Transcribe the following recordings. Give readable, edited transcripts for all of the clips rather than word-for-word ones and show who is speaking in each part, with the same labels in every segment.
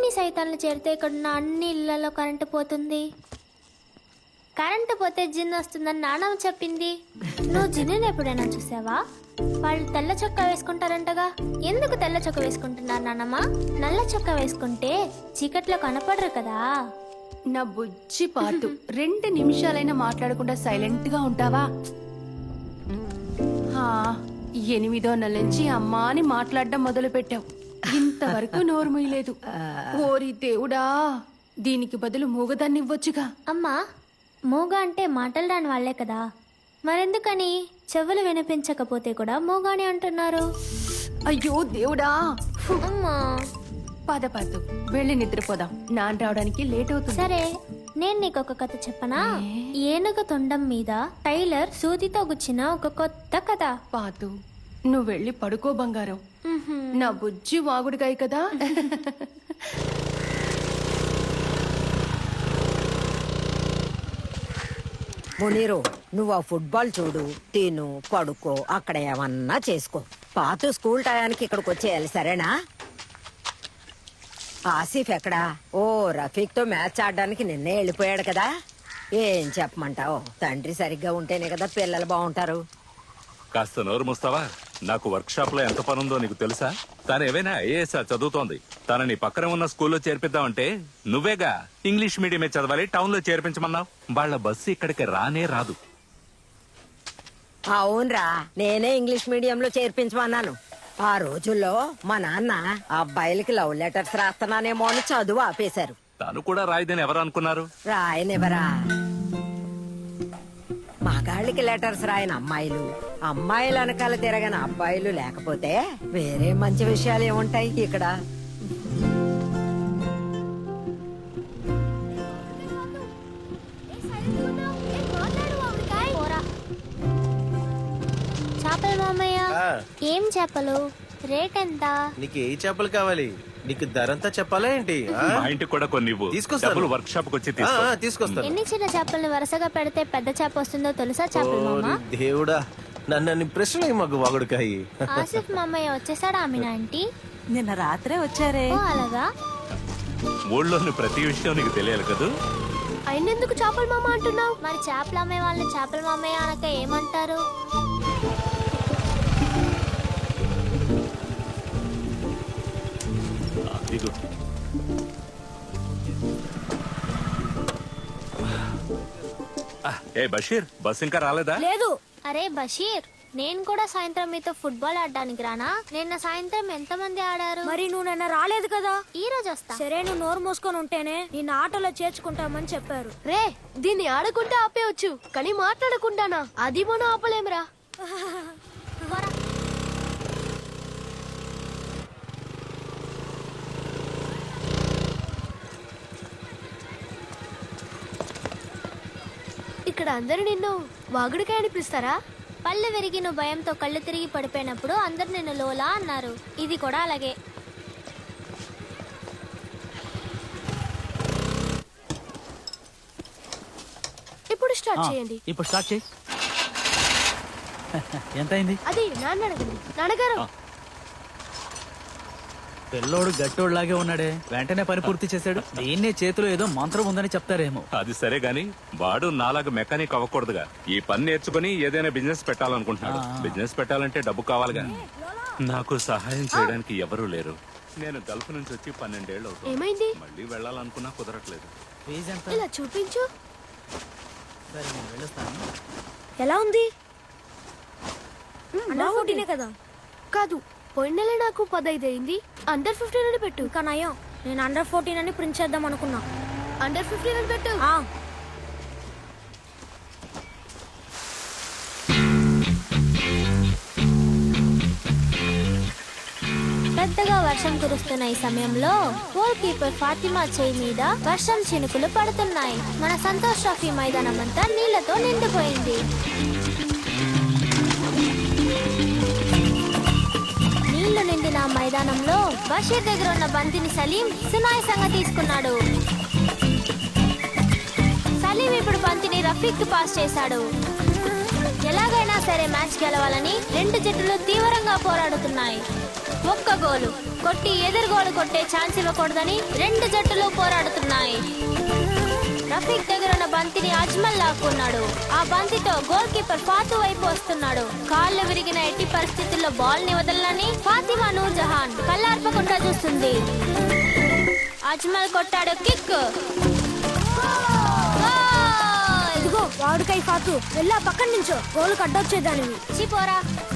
Speaker 1: సైతాన్లు చేరితే ఇక్కడున్న అన్ని ఇళ్లలో కరెంటు పోతుంది. కరెంటు పోతే జిన్ వస్తుందని నానమ్మ చెప్పింది. నువ్వు జిన్నుని ఎప్పుడైనా చూసావా? వాళ్ళు తెల్ల చొక్కా వేసుకుంటారంటగా. ఎందుకు తెల్ల చొక్కా వేసుకుంటున్నారు నానమ్మ? నల్ల చొక్కా వేసుకుంటే చీకట్లో కనపడరు కదా.
Speaker 2: నా బుజ్జి పాతు 2 నిమిషాలైనా మాట్లాడకుండా సైలెంట్ గా ఉంటావా? 8వ నెల నుంచి అమ్మా అని మాట్లాడడం మొదలు పెట్టావు. ఇంతవరకు నోరు మూయలేదు. ఓరి దేవుడా, దీనికి బదులు మూగదాన్ని ఇవ్వొచ్చుగా.
Speaker 1: అమ్మా, మూగ అంటే మాటలు రాని వాళ్లే కదా, మరెందుకని చెవులు వినిపించకపోతే కూడా మూగాని అంటున్నారు?
Speaker 2: అయ్యో దేవుడా.
Speaker 1: అమ్మా
Speaker 2: పద పద్దు, వెళ్ళి నిద్రపోదాం. నాన్న రావడానికి లేట్ అవుతుంది.
Speaker 1: సరే, నేను నీకు ఒక కథ చెప్పనా? ఏనుగ తొండం మీద టైలర్ సూదితో గుచ్చిన ఒక కొత్త కథ.
Speaker 2: పాతు, నువ్వు వెళ్ళి పడుకో బంగారం. నా బుజ్జి వాగుడుగాయి కదా.
Speaker 3: మునీరు, నువ్వు ఆ ఫుట్బాల్ చూడు, తిను, పడుకో, అక్కడ ఏమన్నా చేసుకో. పాతు స్కూల్ టయానికి ఇక్కడికి వచ్చేయాలి, సరేనా? ఆసిఫ్ ఎక్కడా? ఓ, రఫీక్ తో మ్యాచ్ ఆడడానికి నిన్నే వెళ్ళిపోయాడు కదా. ఏం చెప్పమంటావు? తండ్రి సరిగ్గా ఉంటేనే కదా పిల్లలు బాగుంటారు.
Speaker 4: కాస్త నోరు మూస్తావా? నాకు వర్క్ షాప్ లో ఎంత పనుందో నీకు తెలుసా? తను ఏవైనా ఐఏఎస్ చదువుతోంది. తనని పక్కన ఉన్న స్కూల్లో చేర్పిద్దామంటే నువ్వేగా ఇంగ్లీష్ మీడియమే చదవాలి, టౌన్ లో చేర్పించమన్నావు. వాళ్ళ బస్సు ఇక్కడికి రానే రాదు.
Speaker 3: అవునరా, నేనే ఇంగ్లీష్ మీడియంలో చేర్పించమన్నాను. ఆ రోజుల్లో మా నాన్న అబ్బాయిలకి లవ్ లెటర్స్ రాస్తున్నానేమో అని చదువు ఆపేశారు.
Speaker 4: తను కూడా రాయిదని ఎవరు అనుకున్నారు?
Speaker 3: రాయనివరా. మగాళ్ళకి లెటర్స్ రాయని అమ్మాయిలు, అమ్మాయిల వెనకాల తిరగని అబ్బాయిలు లేకపోతే వేరే మంచి విషయాలు ఏముంటాయి ఇక్కడ?
Speaker 1: చేపలు మామయ్య, ఏం చేపలు? రేట్ ఎంత?
Speaker 5: నీకు ఏ చేపలు కావాలి? నీకు ధరంతా చెప్పాలా ఏంటి?
Speaker 4: మా ఇంటికి కూడా కొన్ని ఇవ్వు. డబ్బులు వర్క్ షాప్ వచ్చి
Speaker 5: తీసుకొస్తాను.
Speaker 1: ఎన్ని చిన్న చేపల్ని వరుసగా పెడితే పెద్ద చేప వస్తుందో తెలుసా చేపలు మామ?
Speaker 5: దేవుడా, నన్ను ప్రశ్నలు మాకు వాగుడుకాయి.
Speaker 1: ఆసిఫ్ మామయ్య వచ్చేసాడా ఆమెనా ఆంటీ?
Speaker 6: నిన్న రాత్రే వచ్చారే.
Speaker 1: ఓ అలాగా.
Speaker 4: ఊళ్ళోని ప్రతి విషయం నీకు తెలియాలి కదా.
Speaker 1: అయినందుకు చేపల మామ అంటున్నావు? మరి చేపలు అమ్మే వాళ్ళని చేపల మామయ్య అనక ఏమంటారు?
Speaker 4: దిగు. ఏ బషీర్, బస్ ఇంకా రాలేదా?
Speaker 1: లేదు. అరే బషీర్, నేను కూడా సాయంత్రం మీతో ఫుట్బాల్ ఆడడానికి రానా? నిన్న సాయంత్రం ఎంతమంది ఆడారు?
Speaker 7: మరి నువ్వు నిన్న రాలేదు కదా.
Speaker 1: ఈ రోజు వస్తా.
Speaker 7: సరే, నువ్వు నోరు మూసుకొని ఉంటేనే నిన్న ఆటలో చేర్చుకుంటామని చెప్పారు.
Speaker 2: రే, దీన్ని ఆడకుంటే ఆపేయచ్చు, కానీ మాట్లాడకుండానా? అది మనం ఆపలేమురా. ఇక్కడ అందరు నిన్ను వాగుడికాయ అని పిలుస్తారా?
Speaker 1: పళ్ళు విరిగి నువ్వు భయంతో కళ్ళు తిరిగి పడిపోయినప్పుడు అందరు నిన్ను లోలా అన్నారు. ఇది కూడా అలాగే.
Speaker 2: ఇప్పుడు స్టార్ట్ చేయండి.
Speaker 8: ఇప్పుడు స్టార్ట్ చేయి. ఎంత అయింది?
Speaker 2: అది నాన్న అడగండి. నాన్నగారు,
Speaker 8: పిల్లోడు గట్టోడు లాగే ఉన్నాడే, వెంటనే పని పూర్తి చేశాడు. దీన్నే చేతిలో ఏదో మంత్రం ఉందని చెప్తారేమో.
Speaker 4: అది సరే గాని వాడు నాలాగా మెకానిక్ అవ్వకూడదుగా. ఈ పని నేర్చుకుని ఏదైనా బిజినెస్ పెట్టాలనుకుంటున్నాడు. బిజినెస్ పెట్టాలంటే డబ్బు కావాలిగా. నాకు సహాయం చేయడానికి ఎవరూ లేరు. నేను గల్ఫ్ నుంచి వచ్చి 12 ఏళ్ళు అవుతుంది.
Speaker 2: ఏమైంది?
Speaker 4: మళ్ళీ వెళ్ళాలనుకున్నా కుదరట్లేదు.
Speaker 8: ఫీజు ఎంత?
Speaker 2: ఇలా చూపించు.
Speaker 8: సరే, నేను వెళ్ళొస్తాను.
Speaker 7: ఎలా ఉంది? అండర్ 14 కదా.
Speaker 2: కాదు, పోయిన నెల నాకు 15 అయింది. అండర్ 15 అని పెట్టు.
Speaker 7: ఇంకా నయం, నేను అండర్ 14 అని ప్రింట్ చేద్దాం అనుకున్నా.
Speaker 2: అండర్ 15 అని పెట్టు.
Speaker 1: పెద్దగా వర్షం కురుస్తున్న ఈ సమయంలో గోల్ కీపర్ ఫాతిమా చేయి మీద వర్షం చినుకులు పడుతున్నాయి. మన సంతోష్ ట్రోఫీ మైదానం అంతా నీళ్లతో నిండిపోయింది. నీళ్లు నిండిన మైదానంలో బషీర్ దగ్గర ఉన్న బంతిని సలీం సునాయాసంగా తీసుకున్నాడు. సలీం ఇప్పుడు బంతిని రఫీక్ కి పాస్ చేశాడు. ఎలాగైనా సరే మ్యాచ్ గెలవాలని రెండు జట్టులు తీవ్రంగా పోరాడుతున్నాయి. ఒక్క గోలు. కొట్టి ఎదురుగోలు కొట్టే ఛాన్స్ ఇవ్వకూడదని రెండు జట్టులు పోరాడుతున్నాయి. రఫీక్ దగ్గర ఉన్న బంతిని అజ్మల్ లాక్కున్నాడు. ఆ బంతితో గోల్ కీపర్ ఫాతు వైపు వస్తున్నాడు. కాళ్ళు విరిగిన ఎట్టి పరిస్థితుల్లో బాల్ ని వదలని ఫాతిమా నూర్జహాన్ కళ్ళార్పకుండా చూస్తుంది. అజ్మల్ కొట్టాడు కిక్.
Speaker 7: ఇదిగో వాడుకై ఫాతు వెళ్ళా పక్కన నుంచో గోలు కడ్డొచ్చేదానివి.
Speaker 1: చిపోరా.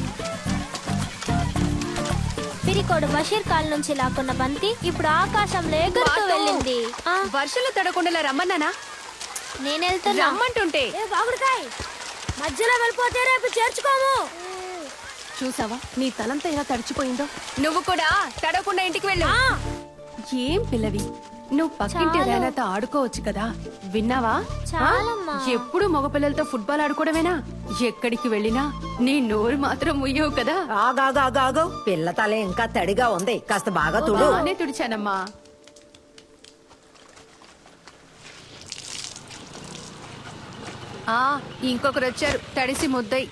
Speaker 1: పిరికోడు బషీర్ కాల్ నుంచి లాక్కున్న బంతి ఇప్పుడు ఆకాశంలో ఎగురుతూ వెళ్ళింది. ఆ,
Speaker 2: వర్షంలో తడకుండా రమ్మన్నానా?
Speaker 1: నేను వెళ్తున్నా.
Speaker 2: రమ్మంటుంటే
Speaker 7: ఏ వాగుడుకాయ్ మధ్యలో వెళ్ళిపోతే రేపు చేర్చుకోము.
Speaker 2: చూసావా నీ తలంతా ఎలా తడిచిపోయిందో. నువ్వు కూడా తడకుండా ఇంటికి వెళ్ళు. ఏం పిల్లవి, నువ్వు పక్కింటి రేనాతో ఆడుకోవచ్చు కదా. విన్నావా?
Speaker 1: చాలమ్మా.
Speaker 2: ఎప్పుడు మగపిల్లలతో ఫుట్బాల్ ఆడుకోవడమేనా? ఎక్కడికి వెళ్ళినా నీ నోరు మాత్రం ముయ్యవు కదా.
Speaker 3: ఆగాగాగాగు పిల్ల తల ఇంకా తడిగా ఉంది, కాస్త బాగా తుడు.
Speaker 2: బానే తుడిచానమ్మా. ఇంకొకరు వచ్చారు, తడిసి ముద్దయి.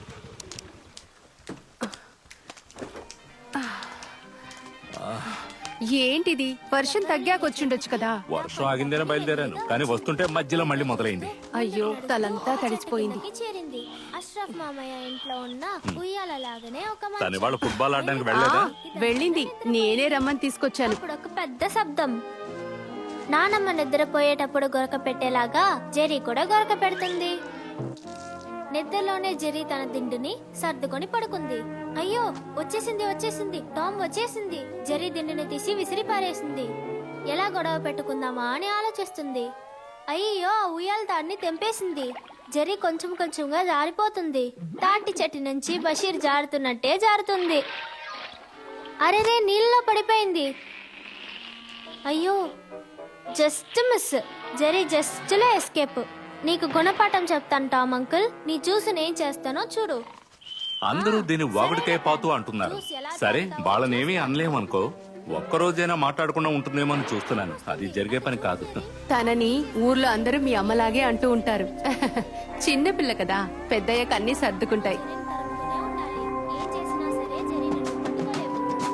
Speaker 2: ఏంటిది, వర్షం తగ్గాకొచ్చుండొచ్చు కదా.
Speaker 4: వర్షం ఆగిందేనే బయలుదేరాను, కానీ వస్తుంటే మధ్యలో మళ్ళీ మొదలైంది.
Speaker 2: అయ్యో తలంతా తడిసిపోయింది.
Speaker 1: ఇంటికి చేరింది. అష్రఫ్ మామయ్య ఇంట్లో ఉన్న ఉయ్యాల లాగానే ఒక మంచం.
Speaker 4: తను ఇవాళ ఫుట్బాల్ ఆడడానికి వెళ్ళలేదా?
Speaker 2: వెళ్ళింది, నేనే రమ్మని తీసుకొచ్చాను.
Speaker 1: ఇప్పుడు ఒక పెద్ద శబ్దం. నానమ్మ నిద్రపోయేటప్పుడు గొరక పెట్టేలాగా జెరీ కూడా గొరక పెడుతుంది. నిద్రలోనే జెరీ తన దిండుని సర్దుకొని పడుకుంది. అయ్యో వచ్చేసింది వచ్చేసింది, టామ్ వచ్చేసింది. జెరీ దిండుని తీసి విసిరి పారేసింది. ఎలా గొడవ పెట్టుకుందామా అని ఆలోచిస్తుంది. అయ్యో ఆ ఉయ్యాల తాడిని తెంపేసింది. జెరీ కొంచెం కొంచెంగా జారిపోతుంది. తాటి చెట్టు నుంచి బషీర్ జారుతున్నట్టే జారుతుంది. అరెరే నీళ్ళలో పడిపోయింది. అయ్యో జస్ట్ మిస్. జెరీ జస్ట్ లో ఎస్కేప్. నీకు గుణపాఠం చెప్తాను టామ్ అంకుల్. నీ చూసి నేను చేస్తానో చూడు.
Speaker 4: అందరూ దీన్ని వాగుడికాయ పాతు అంటున్నారు. సరే, వాళ్ళనేమీ అనలేమనుకో. ఒక్కరోజైనా మాట్లాడకుండా ఉంటుందేమో అని చూస్తున్నాను. అది జరిగే పని కాదు.
Speaker 2: తనని ఊర్లో అందరూ మీ అమ్మలాగే అంటూ ఉంటారు. చిన్న పిల్ల కదా, పెద్దయ్యాక అన్ని సర్దుకుంటాయి.
Speaker 1: తరుముతూనే ఉండాలి. ఏం చేసినా సరే జెరీని నువ్వు పట్టుకోలేవు.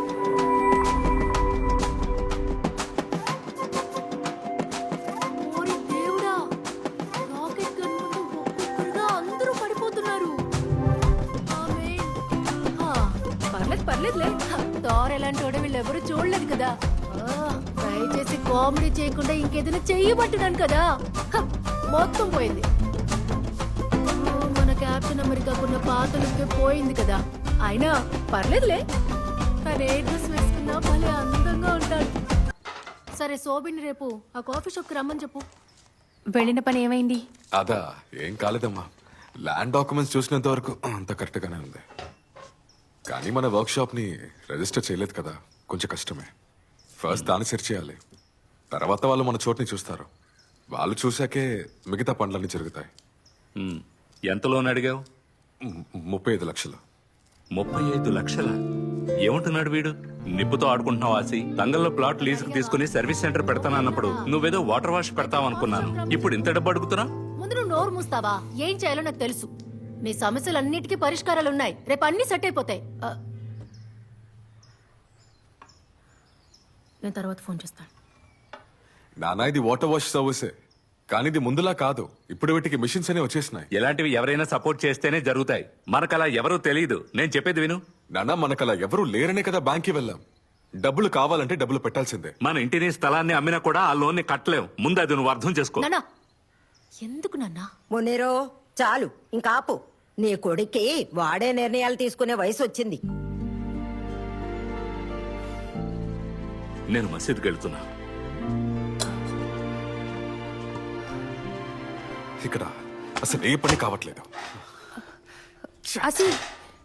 Speaker 2: పర్లేదులే, తార్ ఎలాంటి వాడు వీళ్ళెవరూ చూడలేదు కదా. దయచేసి కామెడీ చేయకుండా ఇంకేదైనా చెయ్యబట్టున్నాను కదా. మొత్తం పోయింది. మన క్యాప్టెన్ అమెరికాకున్న పాతలకే పోయింది కదా. అయినా పర్లేదులే, తను ఏ డ్రెస్ వేసుకున్నా భలే అందంగా ఉంటాడు. సరే శోభిని రేపు ఆ కాఫీ షాప్ కి రమ్మని చెప్పు. వెళ్ళిన పని ఏమైంది?
Speaker 9: అదా ఏం కాలేదమ్మా. ల్యాండ్ డాక్యుమెంట్స్ చూసినంత వరకు అంత కరెక్ట్ గానే ఉంది. కానీ మన వర్క్ షాప్ ని రిజిస్టర్ చేయలేదు కదా, కొంచెం కష్టమే. ఫస్ట్ దాన్ని సెర్చ్ చేయాలి, తర్వాత వాళ్ళు మన చోటుని చూస్తారు. వాళ్ళు చూశాకే మిగతా పనులన్నీ జరుగుతాయి.
Speaker 4: ఎంత లోన్ అడిగావు?
Speaker 9: 35 లక్షలు.
Speaker 4: 35 లక్షల? ఏమంటున్నాడు వీడు? నిప్పుతో ఆడుకుంటున్నావు ఆసి. తంగల్లో ప్లాట్ లీజుకు తీసుకుని సర్వీస్ సెంటర్ పెడతానన్నప్పుడు నువ్వేదో వాటర్ వాష్ పెడతావు అనుకున్నాను. ఇప్పుడు ఇంత డబ్బు అడుగుతున్నా?
Speaker 2: ముందు నువ్వు నోరు మూస్తావా? ఏం చేయాలో నాకు తెలుసు. నీ సమస్యలన్నిటికీ పరిష్కారాలు ఉన్నాయి. రేపు అన్ని సెట్ అయిపోతాయి. నేను తర్వాత ఫోన్ చేస్తాను.
Speaker 9: నానా ఇది వాటర్ వాష్ సర్వీసే, కానీ ఇది ముందులా కాదు. ఇప్పుడు వీటికి మిషన్స్ అనే వచ్చేసినాయి.
Speaker 4: ఇలాంటివి ఎవరైనా సపోర్ట్ చేస్తేనే జరుగుతాయి. మనకలా ఎవరూ తెలియదు. నేను చెప్పేది విను.
Speaker 9: నానా మనకలా ఎవరూ లేరనే కదా బ్యాంక్కి వెళ్ళాం. డబ్బులు కావాలంటే డబ్బులు పెట్టాల్సిందే.
Speaker 4: మన ఇంటిని స్థలాన్ని అమ్మినా కూడా ఆ లోన్ ని కట్టలేం. ముందు అది నువ్వు అర్థం చేసుకో.
Speaker 2: నాన్నా ఎందుకు నాన్నా?
Speaker 3: మునీరో చాలు, ఇంకా ఆపు. నీ కొడుక్కి వాడే నిర్ణయాలు తీసుకునే వయసు వచ్చింది.
Speaker 4: నేను మసీద్కి వెళ్తున్నా.
Speaker 9: ఇక్కడ అసలు ఏ పని కావట్లేదు.
Speaker 2: అసి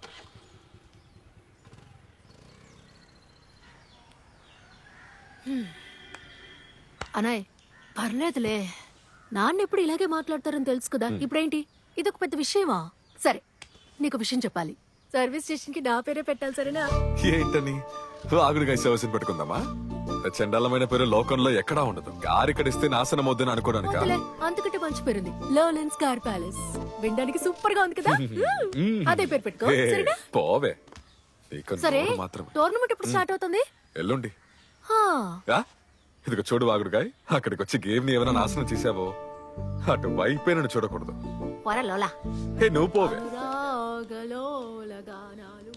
Speaker 2: అనాయ్ పర్లేదులే. నాన్న ఎప్పుడు ఇలాగే మాట్లాడతారని తెలుసు కదా. ఇప్పుడేంటి ఇదొక పెద్ద విషయమా? సరే నీకు విషయం చెప్పాలి. సర్వీస్ స్టేషన్ కి నా పేరే పెట్టాలి, సరేనా?
Speaker 9: ఏంటని ఆగుడిగా సర్వీస్ పెట్టుకుందామా? చండాలమైన పేరు లోకంలో ఎక్కడా ఉండదు. కారు ఇక్కడ ఇస్తే నాశనం వద్దని అనుకోవడానికి.
Speaker 2: అంతకంటే మంచి పేరుంది, లోలెన్స్ కార్ ప్యాలెస్. వినడానికి సూపర్ గా ఉంది కదా. అదే పేరు పెట్టుకో, సరేనా?
Speaker 9: పోవే.
Speaker 2: సరే
Speaker 9: మాత్రం
Speaker 2: టోర్నమెంట్ ఎప్పుడు స్టార్ట్ అవుతుంది?
Speaker 9: ఎల్లుండి
Speaker 2: హా,
Speaker 9: ఆ? ఇదిగో చూడు వాగుడుగాయ్, అక్కడికి వచ్చి గేమ్ ని ఏమైనా నాశనం చేసావో అటు వైపే నన్ను చూడకూడదు.
Speaker 2: పోరా లోలా.
Speaker 9: హే నువ్వు పోవే.
Speaker 2: రాగలోలగానాలు.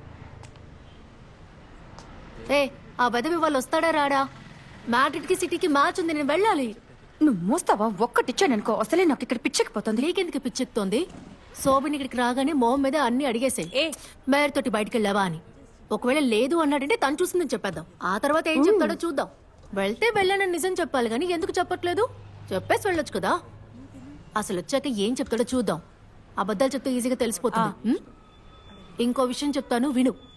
Speaker 2: ఏ ఆ బెదవి వాళ్ళు వస్తాడా రాడా? మ్యాడ్రిడ్ కి సిటీకి మ్యాచ్ ఉంది, నేను వెళ్ళాలి.
Speaker 6: నువ్వు మూస్తావా? ఒక్కటిచ్చాననుకో అసలే నాకు ఇక్కడ పిచ్చెక్కిపోతుంది.
Speaker 2: నీకెందుకు పిచ్చెక్కుతోంది? శోభిని ఇక్కడికి రాగానే మొహం మీద అన్ని అడిగేసాయి. మేయర్ తోటి బయటికి వెళ్ళావా అని. ఒకవేళ లేదు అన్నాడంటే తను చూసిందని చెప్పేద్దాం. ఆ తర్వాత ఏం చెప్తాడో చూద్దాం. వెళ్తే వెళ్ళానని నిజం చెప్పాలి కానీ ఎందుకు చెప్పట్లేదు? చెప్పేసి వెళ్ళొచ్చు కదా. అసలు వచ్చాక ఏం చెప్తాడో చూద్దాం. అబద్ధాలు చెప్తే ఈజీగా తెలిసిపోతుంది. ఇంకో విషయం చెప్తాను విను.